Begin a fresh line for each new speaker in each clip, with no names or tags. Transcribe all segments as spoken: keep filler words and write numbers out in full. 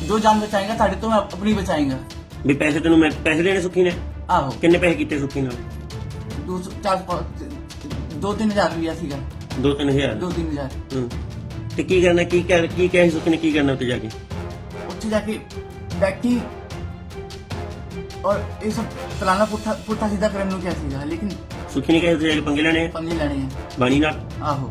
जो जान बचाएगा साढ़े तो मैं अपनी बचाएगा।
ਵੀ ਪੈਸੇ ਤੈਨੂੰ ਮੈਂ ਪੈਸੇ ਦੇਣੇ ਸੁੱਖੀ ਨੇ?
आहो
ਕਿੰਨੇ ਪੈਸੇ ਕੀਤੇ ਸੁੱਖੀ ਨਾਲ?
दो सौ चार पाँच- दो तीन हजार रुपया सीगा।
ਦੋ ਤਿੰਨ ਹਜ਼ਾਰ।
दो तीन हजार
ਹੂੰ। ਤੇ ਕੀ ਕਰਨਾ ਕੀ ਕਰ ਕੀ ਕਹਿ ਸੁੱਖੀ ਨੇ ਕੀ ਕਰਨਾ ਉੱਤੇ ਜਾ ਕੇ?
ਉੱਥੇ ਜਾ ਕੇ ਬੈਠੀ और ये सब फलाना पुट्ठा पुट्ठा सीधा करने ਨੂੰ ਕਿਹਾ ਸੀਗਾ ਲੇਕਿਨ
ਸੁੱਖੀ ਨੇ ਕਿਹਾ ਉੱਤੇ ਜਾ ਕੇ ਪੰਗੇ ਲੈਣੇ ਆ
ਪੰਗੇ ਲੈਣੇ ਆ।
ਬਾਣੀ ਨਾਲ?
ਆਹੋ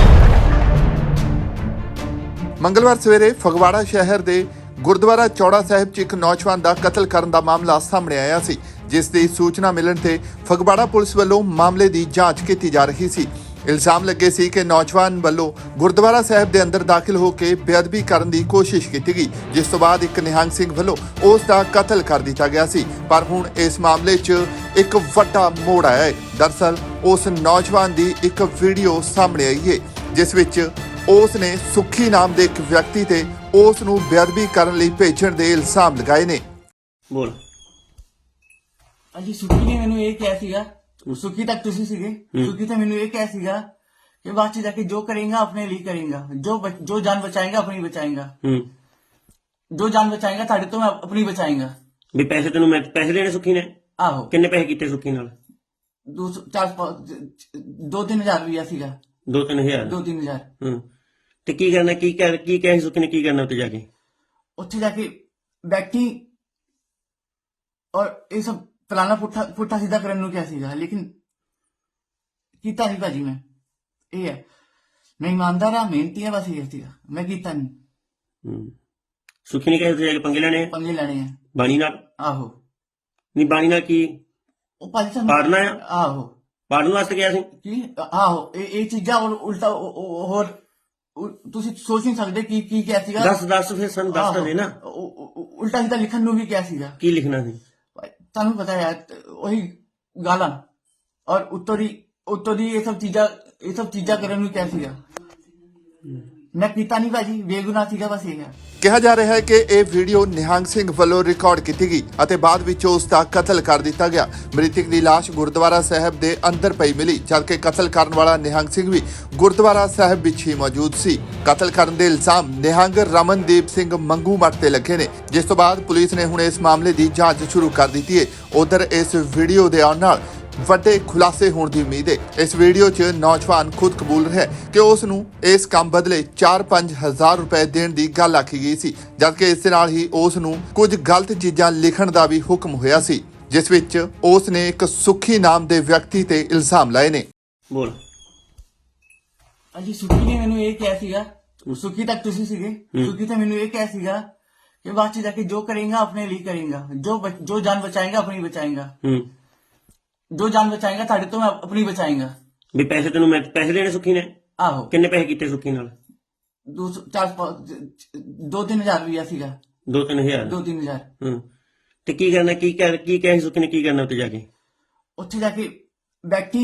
ਮੰਗਲਵਾਰ ਸਵੇਰੇ ਫਗਵਾੜਾ ਸ਼ਹਿਰ ਦੇ ਗੁਰਦੁਆਰਾ ਚੌੜਾ ਸਾਹਿਬ 'ਚ ਇੱਕ ਨੌਜਵਾਨ ਦਾ ਕਤਲ ਕਰਨ ਦਾ ਮਾਮਲਾ ਸਾਹਮਣੇ ਆਇਆ ਸੀ, ਜਿਸ ਦੀ ਸੂਚਨਾ ਮਿਲਣ ਤੇ ਫਗਵਾੜਾ ਪੁਲਿਸ ਵੱਲੋਂ ਮਾਮਲੇ ਦੀ ਜਾਂਚ ਕੀਤੀ ਜਾ ਰਹੀ ਸੀ। ਇਲਜ਼ਾਮ ਲੱਗੇ ਸੀ ਕਿ ਨੌਜਵਾਨ ਵੱਲੋਂ ਗੁਰਦੁਆਰਾ ਸਾਹਿਬ ਦੇ ਅੰਦਰ ਦਾਖਲ ਹੋ ਕੇ ਬੇਅਦਬੀ ਕਰਨ ਦੀ ਕੋਸ਼ਿਸ਼ ਕੀਤੀ ਗਈ, ਜਿਸ ਤੋਂ ਬਾਅਦ ਇੱਕ ਨਿਹੰਗ ਸਿੰਘ ਵੱਲੋਂ ਉਸ ਦਾ ਕਤਲ ਕਰ ਦਿੱਤਾ ਗਿਆ ਸੀ। ਪਰ ਹੁਣ ਇਸ ਮਾਮਲੇ 'ਚ ਇੱਕ ਵੱਡਾ ਮੋੜ ਆਇਆ ਹੈ। ਦਰਅਸਲ ਉਸ ਨੌਜਵਾਨ ਦੀ ਇੱਕ ਵੀਡੀਓ ਸਾਹਮਣੇ ਆਈ ਹੈ, ਜਿਸ ਵਿੱਚ ਉਸ ਨੇ ਸੁੱਖੀ ਨਾਮ ਦੇ ਇੱਕ ਵਿਅਕਤੀ ਤੇ ਉਸ ਨੂੰ ਬੇਅਦਬੀ ਕਰਨ ਲਈ ਭੇਜਣ ਦੇ ਇਲਜ਼ਾਮ ਲਗਾਏ ਨੇ।
ਬੋਲ।
ਅਜੀ ਸੁੱਖੀ ਨੇ ਮੈਨੂੰ ਇਹ ਕਿਹਾ ਸੀਗਾ, ਸੁੱਖੀ ਤੱਕ ਤੁਸੀਂ ਸੀਗੇ, ਸੁੱਖੀ ਤੇ ਮੈਨੂੰ ਇਹ ਕਿਹਾ ਸੀਗਾ ਕਿ ਬਾਅਦ ਚ ਜਾ ਕੇ ਜੋ ਕਰੇਗਾ ਆਪਣੇ ਲਈ ਕਰੇਗਾ, ਜੋ बच- जो जान बचाएगा अपनी बचाएगा,
ਹੂੰ।
जो जान बचाएगा साढ़े तो मैं अपनी बचाएगा।
ਵੀ ਪੈਸੇ ਤੈਨੂੰ ਮੈਂ ਪੈਸੇ ਦੇਣੇ ਸੁੱਖੀ ਨੇ?
आहो
ਕਿੰਨੇ ਪੈਸੇ ਕੀਤੇ ਸੁੱਖੀ ਨਾਲ?
दो सौ चार पाँच- दो तीन हजार रुपया सीगा।
ਦੋ ਤਿੰਨ ਹਜ਼ਾਰ।
दो तीन हजार
ਹੂੰ। ਤੇ ਕੀ ਕਰਨਾ ਕੀ ਕਰ ਕੀ ਕਹਿ ਸੁੱਖੀ ਨੇ ਕੀ ਕਰਨਾ ਉੱਤੇ ਜਾ ਕੇ?
ਉੱਥੇ ਜਾ ਕੇ ਬੈਠੀ और ये सब फलाना पुट्ठा पुट्ठा सीधा करने ਨੂੰ ਕਿਹਾ ਸੀਗਾ ਲੇਕਿਨ ਕੀਤਾ ਨਹੀਂ ਭਾਜੀ। ਮੈਂ ਇਹ ਹੈ ਮੈਂ ਇਮਾਨਦਾਰ ਆ, ਮਿਹਨਤੀ ਆ, ਬਸ ਇਹ ਸੀਗਾ ਮੈਂ ਕੀਤਾ ਨਹੀਂ।
ਹੂੰ। ਸੁੱਖੀ ਨੇ ਕਿਹਾ ਉੱਤੇ ਜਾ ਕੇ ਪੰਗੇ ਲੈਣੇ ਆ
ਪੰਗੇ ਲੈਣੇ ਆ।
ਬਾਣੀ ਨਾਲ?
ਆਹੋ
ਨਹੀਂ ਬਾਣੀ ਨਾਲ ਕੀ
ਉਹ ਭਾਜੀ ਸਾਨੂੰ
ਪਾੜਨਾ ਆ?
ਆਹੋ
ਪਾੜਨ ਵਾਸਤੇ ਗਿਆ ਸੀ?
ਕੀ ਆਹੋ ਇਹ ਇਹ ਚੀਜ਼ਾਂ ਹੋਰ ਉਲਟਾ ਉਹ- ਉਹ- ਹੋਰ ਉ- ਤੁਸੀਂ ਸੋਚ ਨਹੀਂ ਸਕਦੇ ਕੀ ਕੀ ਕਿਹਾ ਸੀਗਾ।
ਦੱਸ ਦੱਸ ਫਿਰ ਸਾਨੂੰ ਦੱਸ ਤਾਂ ਦੇ ਨਾ
ਆਹੋ, ਉ- ਉ- ਉ- ਉਲਟਾ ਸਿੱਧਾ ਲਿਖਣ ਨੂੰ ਵੀ ਕਿਹਾ ਸੀਗਾ।
ਕੀ ਲਿਖਣਾ ਸੀ?
ਭਾਈ, ਤੁਹਾਨੂੰ ਪਤਾ ਹੈ ਉਹੀ ਗਾਲਾਂ ਔਰ ਉੱਤੋਂ ਦੀ ਉੱਤੋਂ ਦੀ ਇਹ ਸਭ ਚੀਜ਼ਾਂ ਇਹ ਸਭ ਚੀਜ਼ਾਂ ਕਰਨ ਨੂੰ ਕਿਹਾ ਸੀਗਾ। ਮੈਂ ਕੀਤਾ ਨਹੀਂ ਭਾਜੀ, ਬੇਗੁਨਾਹ ਸੀਗਾ, ਬਸ ਇਹ ਹੈ।
ਕਿਹਾ ਜਾ ਰਿਹਾ ਹੈ ਕਿ ਇਹ ਵੀਡੀਓ ਨਿਹੰਗ ਸਿੰਘ ਵੱਲੋਂ ਰਿਕਾਰਡ ਕੀਤੀ ਗਈ ਅਤੇ ਬਾਅਦ ਵਿੱਚ ਉਸ ਦਾ ਕਤਲ ਕਰ ਦਿੱਤਾ ਗਿਆ। ਮ੍ਰਿਤਕ ਦੀ ਲਾਸ਼ ਗੁਰਦੁਆਰਾ ਸਾਹਿਬ ਦੇ ਅੰਦਰ ਪਈ ਮਿਲੀ, ਜਦਕਿ ਕਤਲ ਕਰਨ ਵਾਲਾ ਨਿਹੰਗ ਸਿੰਘ ਵੀ ਗੁਰਦੁਆਰਾ ਸਾਹਿਬ ਵਿੱਚ ਹੀ ਮੌਜੂਦ ਸੀ। ਕਤਲ ਕਰਨ ਦੇ ਇਲਜ਼ਾਮ ਨਿਹੰਗ ਰਮਨਦੀਪ ਸਿੰਘ ਮੰਗੂ ਮੱਟ ਤੇ ਲੱਗੇ ਨੇ, ਜਿਸ ਤੋਂ ਬਾਅਦ ਪੁਲਿਸ ਨੇ ਹੁਣ ਇਸ ਮਾਮਲੇ ਦੀ ਜਾਂਚ ਸ਼ੁਰੂ ਕਰ ਦਿੱਤੀ ਹੈ। ਉਧਰ ਇਸ ਵੀਡੀਓ ਦੇ ਆਉਣ ਨਾਲ ਵੱਡੇ ਖੁਲਾਸੇ ਹੋਣ ਦੀ ਉਮੀਦ ਹੈ। ਇਸ ਵੀਡੀਓ 'ਚ ਨੌਜਵਾਨ ਖੁਦ ਕਬੂਲ ਰਿਹਾ ਕਿ ਉਸ ਨੂੰ ਇਸ ਕੰਮ ਬਦਲੇ ਚਾਰ ਪੰਜ ਹਜ਼ਾਰ ਰੁਪਏ ਦੇਣ ਦੀ ਗੱਲ ਆਖੀ ਗਈ ਸੀ, ਜਦਕਿ ਇਸ ਦੇ ਨਾਲ ਹੀ ਉਸ ਨੂੰ ਕੁਝ ਗਲਤ ਚੀਜ਼ਾਂ ਲਿਖਣ ਦਾ ਵੀ ਹੁਕਮ ਹੋਇਆ ਸੀ, ਜਿਸ ਵਿੱਚ ਉਸ ਨੇ ਇੱਕ ਸੁੱਖੀ ਨਾਮ ਦੇ ਵਿਅਕਤੀ ਤੇ ਇਲਜ਼ਾਮ ਲਾਏ ਨੇ।
ਬੋਲ।
ਅਜੀ ਸੁੱਖੀ ਨੇ ਮੈਨੂੰ ਇਹ ਕਿਹਾ ਸੀਗਾ, ਸੁੱਖੀ ਤੱਕ ਤੁਸੀਂ ਸੀਗੇ, ਸੁੱਖੀ ਤੇ ਮੈਨੂੰ ਇਹ ਕਿਹਾ ਸੀਗਾ ਕਿ ਬਾਅਦ ਚ ਜਾ ਕੇ ਜੋ ਕਰੇਗਾ ਆਪਣੇ ਲਈ ਕਰੇਗਾ, ਜੋ बच- जो जान बचाएगा अपनी बचाएगा,
ਹੂੰ।
जो जान बचाएगा साढ़े तो मैं अपनी बचाएगा।
ਵੀ ਪੈਸੇ ਤੈਨੂੰ ਮੈਂ ਪੈਸੇ ਦੇਣੇ ਸੁੱਖੀ ਨੇ?
ਆਹੋ
ਕਿੰਨੇ ਪੈਸੇ ਕੀਤੇ ਸੁੱਖੀ ਨਾਲ?
दो सौ चार पाँच- दो तीन हजार रुपया सीगा।
ਦੋ ਤਿੰਨ ਹਜ਼ਾਰ।
दो तीन हजार
ਹੂੰ। ਤੇ ਕੀ ਕਰਨਾ ਕੀ ਕਰ ਕੀ ਕਹਿ ਸੁੱਖੀ ਨੇ ਕੀ ਕਰਨਾ ਉੱਤੇ ਜਾ ਕੇ?
ਉੱਥੇ ਜਾ ਕੇ ਬੈਠੀ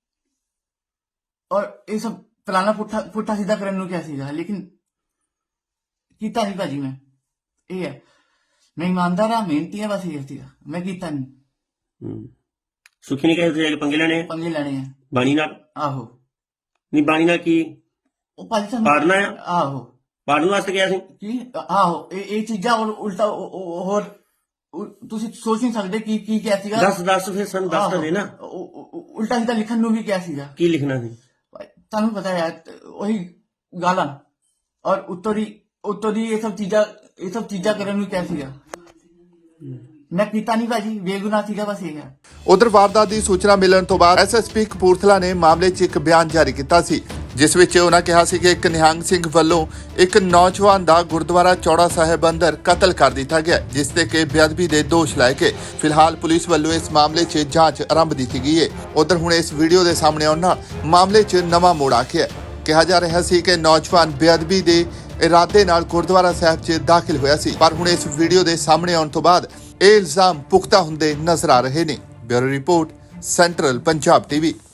और ये सब फलाना पुट्ठा पुट्ठा सीधा करने ਨੂੰ ਕਿਹਾ ਸੀਗਾ ਲੇਕਿਨ ਕੀਤਾ ਨਹੀਂ ਭਾਜੀ। ਮੈਂ ਇਹ ਹੈ ਮੈਂ ਇਮਾਨਦਾਰ ਆ, ਮਿਹਨਤੀ ਆ, ਬਸ ਇਹ ਸੀਗਾ ਮੈਂ ਕੀਤਾ ਨਹੀਂ।
ਹੂੰ। ਸੁੱਖੀ ਨੇ ਕਿਹਾ ਉੱਤੇ ਜਾ ਕੇ ਪੰਗੇ ਲੈਣੇ ਆ
ਪੰਗੇ ਲੈਣੇ ਆ।
ਬਾਣੀ ਨਾਲ?
ਆਹੋ
ਨਹੀਂ ਬਾਣੀ ਨਾਲ ਕੀ
ਉਹ ਭਾਜੀ ਸਾਨੂੰ
ਪਾੜਨਾ ਆ?
ਆਹੋ
ਪਾੜਨ ਵਾਸਤੇ ਗਿਆ ਸੀ?
ਕੀ ਆਹੋ ਇਹ ਇਹ ਚੀਜ਼ਾਂ ਹੋਰ ਉਲਟਾ ਉਹ- ਉਹ- ਹੋਰ ਉ- ਤੁਸੀਂ ਸੋਚ ਨਹੀਂ ਸਕਦੇ ਕੀ ਕੀ ਕਿਹਾ ਸੀਗਾ।
ਦੱਸ ਦੱਸ ਫਿਰ ਸਾਨੂੰ ਦੱਸ ਤਾਂ ਦੇ ਨਾ
ਆਹੋ, ਉ- ਉ- ਉਲਟਾ ਸਿੱਧਾ ਲਿਖਣ ਨੂੰ ਵੀ ਕਿਹਾ ਸੀਗਾ।
ਕੀ ਲਿਖਣਾ ਸੀ?
ਭਾਈ, ਤੁਹਾਨੂੰ ਪਤਾ ਹੈ ਉਹੀ ਗਾਲਾਂ ਔਰ ਉੱਤੋਂ ਦੀ ਉੱਤੋਂ ਦੀ ਇਹ ਸਭ ਚੀਜ਼ਾਂ ਇਹ ਸਭ ਚੀਜ਼ਾਂ ਕਰਨ ਨੂੰ ਕਿਹਾ ਸੀਗਾ। ਮੈਂ ਕੀਤਾ ਨਹੀਂ ਭਾਜੀ, ਬੇਗੁਨਾਹ ਸੀਗਾ, ਬਸ ਇਹ ਹੈ।
ਉਧਰ ਵਾਰਦਾਤ ਦੀ ਸੂਚਨਾ ਮਿਲਣ ਤੋਂ ਬਾਅਦ ਐਸਐਸਪੀ ਕਪੂਰਥਲਾ ਨੇ ਮਾਮਲੇ 'ਚ ਇੱਕ ਬਿਆਨ ਜਾਰੀ ਕੀਤਾ ਸੀ, ਜਿਸ ਵਿੱਚ ਉਹਨਾਂ ਕਿਹਾ ਸੀ ਕਿ ਇੱਕ ਨਿਹੰਗ ਸਿੰਘ ਵੱਲੋਂ ਇੱਕ ਨੌਜਵਾਨ ਦਾ ਗੁਰਦੁਆਰਾ ਚੌੜਾ ਸਾਹਿਬ ਅੰਦਰ ਕਤਲ ਕਰ ਦਿੱਤਾ ਗਿਆ, ਜਿਸ ਤੇ ਕਿ ਬੇਅਦਬੀ ਦੇ ਦੋਸ਼ ਲਾਏ ਗਏ। ਫਿਲਹਾਲ ਪੁਲਿਸ ਵੱਲੋਂ ਇਸ ਮਾਮਲੇ 'ਚ ਜਾਂਚ ਆਰੰਭ ਦਿੱਤੀ ਗਈ ਹੈ। ਉਧਰ ਹੁਣ ਇਸ ਵੀਡੀਓ ਦੇ ਸਾਹਮਣੇ ਆਉਣ ਨਾਲ ਮਾਮਲੇ 'ਚ ਨਵਾਂ ਮੋੜ ਆ ਗਿਆ। ਕਿਹਾ ਜਾ ਰਿਹਾ ਸੀ ਕਿ ਨੌਜਵਾਨ ਬੇਅਦਬੀ ਦੇ ਇਰਾਦੇ ਨਾਲ ਗੁਰਦੁਆਰਾ ਸਾਹਿਬ 'ਚ ਦਾਖਲ ਹੋਇਆ ਸੀ, ਪਰ ਹੁਣ ਇਸ ਵੀਡੀਓ ਦੇ ਸਾਹਮਣੇ ਆਉਣ ਤੋਂ ਬਾਅਦ ਇਹ ਇਲਜ਼ਾਮ ਪੁਖਤਾ ਹੁੰਦੇ ਨਜ਼ਰ ਆ ਰਹੇ ਨੇ। Bureau report, central Punjab TV.